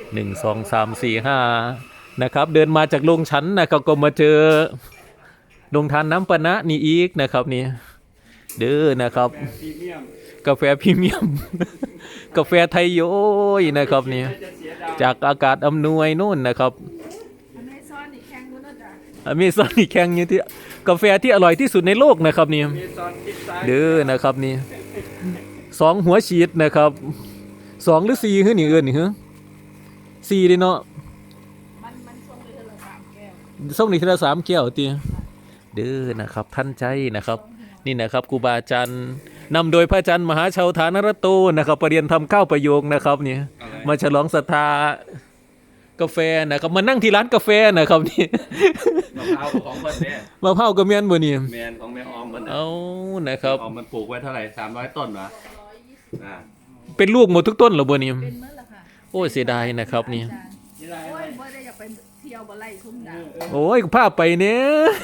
1 2 3 4 5นะครับเดินมาจากโรงชั้นนะครับก็มาเจอโรงทานน้ำปะนะนี่อีกนะครับนี่เด้อนะครับกาแฟพรีเมียม กาแฟไทยโยยนะครับนี่จากอากาศอำนวยนู่นนะครับอเมซอนนี่แข่งอยู่ที่กาแฟที่อร่อยที่สุดในโลกนะครับนี่เด้อนะครับนี่2 หัวฉีดนะครับ2หรือ4คือนี่เอิ้นนี่ฮะ4เลยเนาะมันส่งนี่ทีละ3 แก้วติเด้อนะครับท่านใจนะครับนี่นะครับครูบาอาจารย์นำโดยพระอาจารย์มหาชาวฐานรัตโตนะครับประเรียนทำ9 ประโยคนะครับนี่มาฉลองศรัทธากาแฟนะครับมานั่งที่ร้านกาแฟนะครับนี่มะพร้าวของคนเนี่ยมะพร้าวก็แม่นบ่นี่แมนของแม่ออมมันเอานะครับออมมันปลูกไว้เท่าไหร่300 ต้นวะเป็นลูกหมดทุกต้นเหรอบ่นี่เป็นเมื่อละค่ะโอ้ยเสียดายนะครับนี่โอ้ยบ่ได้อยากไปเที่ยวบ่ไล่ทุ่มดาวโอ้ยพาไปเนี่ย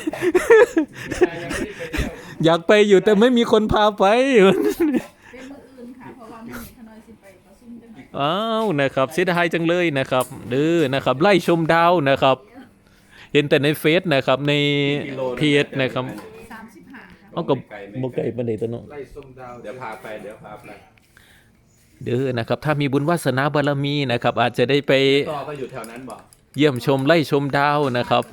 อยากไปอยู่แต่ไม่มีคนพาไปเป็นมื้ออื่นค่ะเพราะว่ามื้อนี้ขน้อยสิไปประชุมจังได๋อ้าวนะครับเสียดายจังเลยนะครับเด้อนะครับไล่ชมดาวนะครับเห็นแต่ในเฟซนะครับในเพจนะครับ 35ค่ะเอากับบ่ไกลปานใดตัวเนาะไล่ส้มดาวเดี๋ยวพาไปเด้อนะครับถ้ามีบุญวาสนาบารมีนะครับอาจจะได้ไปต่อก็อยู่แถวนั้นบ่เยี่ยมชมไล่ชมดาวนะครับ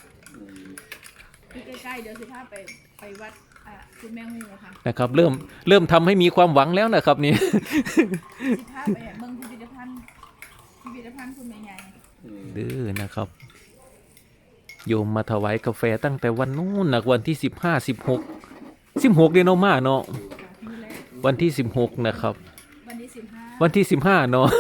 ที่ใกล้ๆเดี๋ยวสิพาไปวัดคุณแม่งูค่ะนะครับเริ่มทำให้มีความหวังแล้วนะครับนี่สิพาไปเมืองพิพิธภัณฑ์คุณแม่ใหญ่ดื้อนะครับโยมมาถวายกาแฟตั้งแต่วันนู้นนะวันที่16เดือนมาเนาะวันที่16นะครับวันที่15เนาะ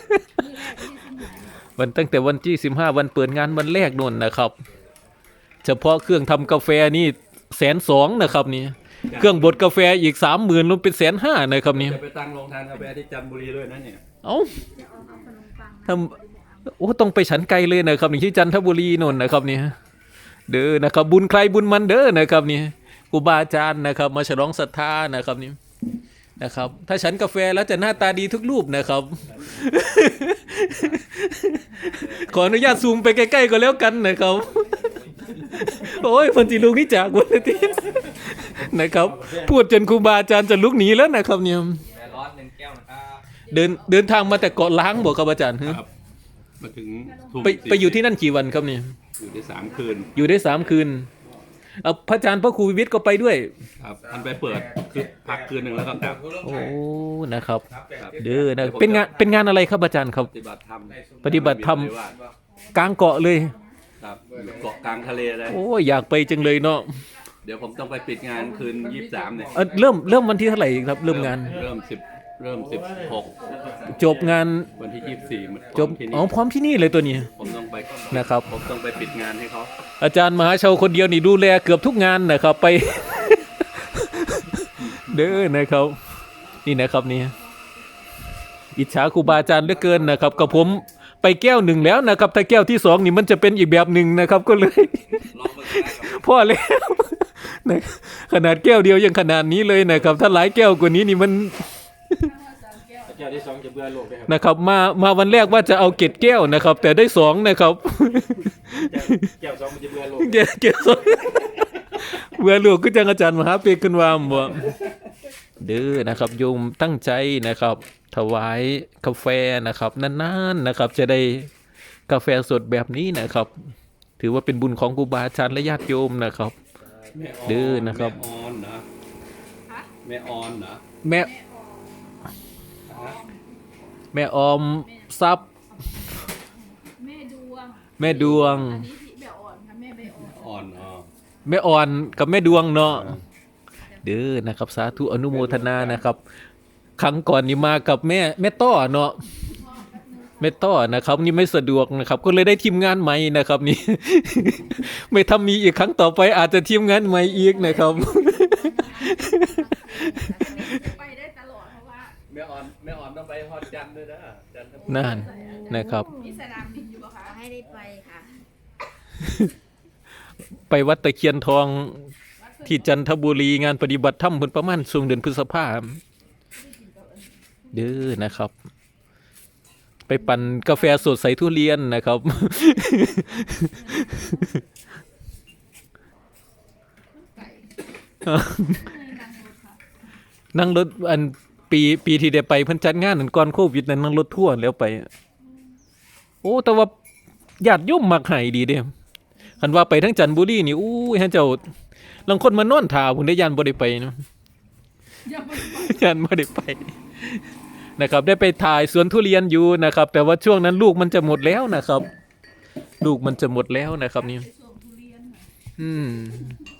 วันตั้งแต่วันที่15วันเปิดงานวันแรกนู่นนะครับเฉพาะเครื่องทำกาแฟนี่120,000นะครับนี่เครื่องบดกาแฟอีก30,000รวมเป็น150,000นะครับนี่จะไปตั้งโรงทานกาแฟที่จันทบุรีด้วยนะเนี่ยเอ้าทำโอ้ต้องไปฉันไกลเลยนะครับนี่ที่จันทบุรีนู่นนะครับนี่เด้อนะครับบุญใครบุญมันเด้อนะครับนี่ครูบาอาจารย์นะครับมาฉลองศรัทธานะครับนี่นะครับถ้าฉันกาแฟแล้วจะหน้าตาดีทุกรูปนะครับขออนุญาตซูมไปใกล้ๆก็แล้วกันนะครับโอ้ยคนที่ลุกนี่จากวันนี้นะครับพูดจนครูบาอาจารย์จะลุกหนีแล้วนะครับเนี่ยร้อน1 แก้วนะครับเดินทางมาแต่เกาะล้างบอกครับอาจารย์ครับมาถึงไปอยู่ที่นั่นกี่วันครับเนี่ยอยู่ได้3 คืนอยู่ได้3 คืนพระอาจารย์พระครูวิวิทย์ก็ไปด้วยครับท่านไปเปิดคือพักคืนหนึ่งแล้วก็กลับโอ้นะครับเด้อนะเป็นงานอะไรครับอาจารย์ครับปฏิบัติธรรมกลางเกาะเลยครับเกาะกลางทะเลเลยโอ้อยากไปจังเลยเนาะเดี๋ยวผมต้องไปปิดงานคืน23เนี่ยเริ่มวันที่เท่าไหร่ครับเริ่มงานเริ่ม16 จบงานวันที่24 จบพร้อมที่นี่เลยตัวนี้ผมต้องไปนะครับผมต้องไปปิดงานให้เขาอาจารย์มหาชาวคนเดียวนี่ดูแลเกือบทุกงานนะครับไป เด้อนะครับนี่นะครับนี่อิจฉาครูบาอาจารย์เหลือเกินนะครับกับผมไปแก้ว1แล้วนะครับถ้าแก้วที่2นี่มันจะเป็นอีกแบบหนึ่งนะครับก็เลยพ่อแล้วนะขนาดแก้วเดียวยังขนาดนี้เลยนะครับถ้าหลายแก้วกว่านี้นี่มันแก้วที่2จะเบื่อโลกเลยนะครับมาวันแรกว่าจะเอาเกล็ดแก้วนะครับแต่ได้2นะครับแก้ว2มันจะเบื่อโลกแก้ว2เบื่อโลกก็จังอาจารย์มหาเปกขึ้นว่าบ่เด้อนะครับโยมตั้งใจนะครับถวายกาแฟนะครับนานๆนะครับจะได้กาแฟสดแบบนี้นะครับถือว่าเป็นบุญของครูบาอาจารย์และญาติโยมนะครับเด้อนะครับแม่ออนนะแม่ออนนะแม่ออมทรัพย์แม่ดวงอันนี้ที่แม่อ่อนค่ะแม่ใบอ่อนแม่อ่อนกับแม่ดวงเนาะเด้อนะครับสาธุอนุโมทนานะครับครั้งก่อนนี่มากับแม่ต้อเนาะแม่ต้อนะครับนี่ไม่สะดวกนะครับก็เลยได้ทีมงานใหม่นะครับนี่ไม่ทำมีอีกครั้งต่อไปอาจจะทีมงานใหม่อีกนะครับไปได้ตลอดเพราะว่าแม่อ่อนต้องไปฮอดจันทร์ด้วยนะจันทร์นั่นนะครับมีสนามบินอยู่ป่ะคะให้ได้ไปค่ะไปวัดตะเคียนทองที่จันทบุรีงานปฏิบัติธรรมเพิ่นประมาณช่วงเดือนพฤษภาคมเด้อนะครับไปปั่นกาแฟสดใส่ทุเรียนนะครับไก่นั่งรถค่ะนั่งรถอันปีที่ได้ไปเพิ่นจัดงานนั่นก่อนโควิดนั้นนั่งรถทัวร์แล้วไป โอ้แต่ว่าญาติโยมมักให้ดีเด้คันว่าไปทั้งจันทบุรีนี่อู้ยฮะเจ้าลางคนมานอนท่าพุ่นได้ย่านบ่ได้ไปเนาะอย่าไปย่านบ่ได้ไปนะครับได้ไปถ่ายสวนทุเรียนอยู่นะครับ แต่ว่าช่วงนั้นลูกมันจะหมดแล้วนะครับ ลูกมันจะหมดแล้วนะครับนี่ไปส่งทุเรียนค่ะอืม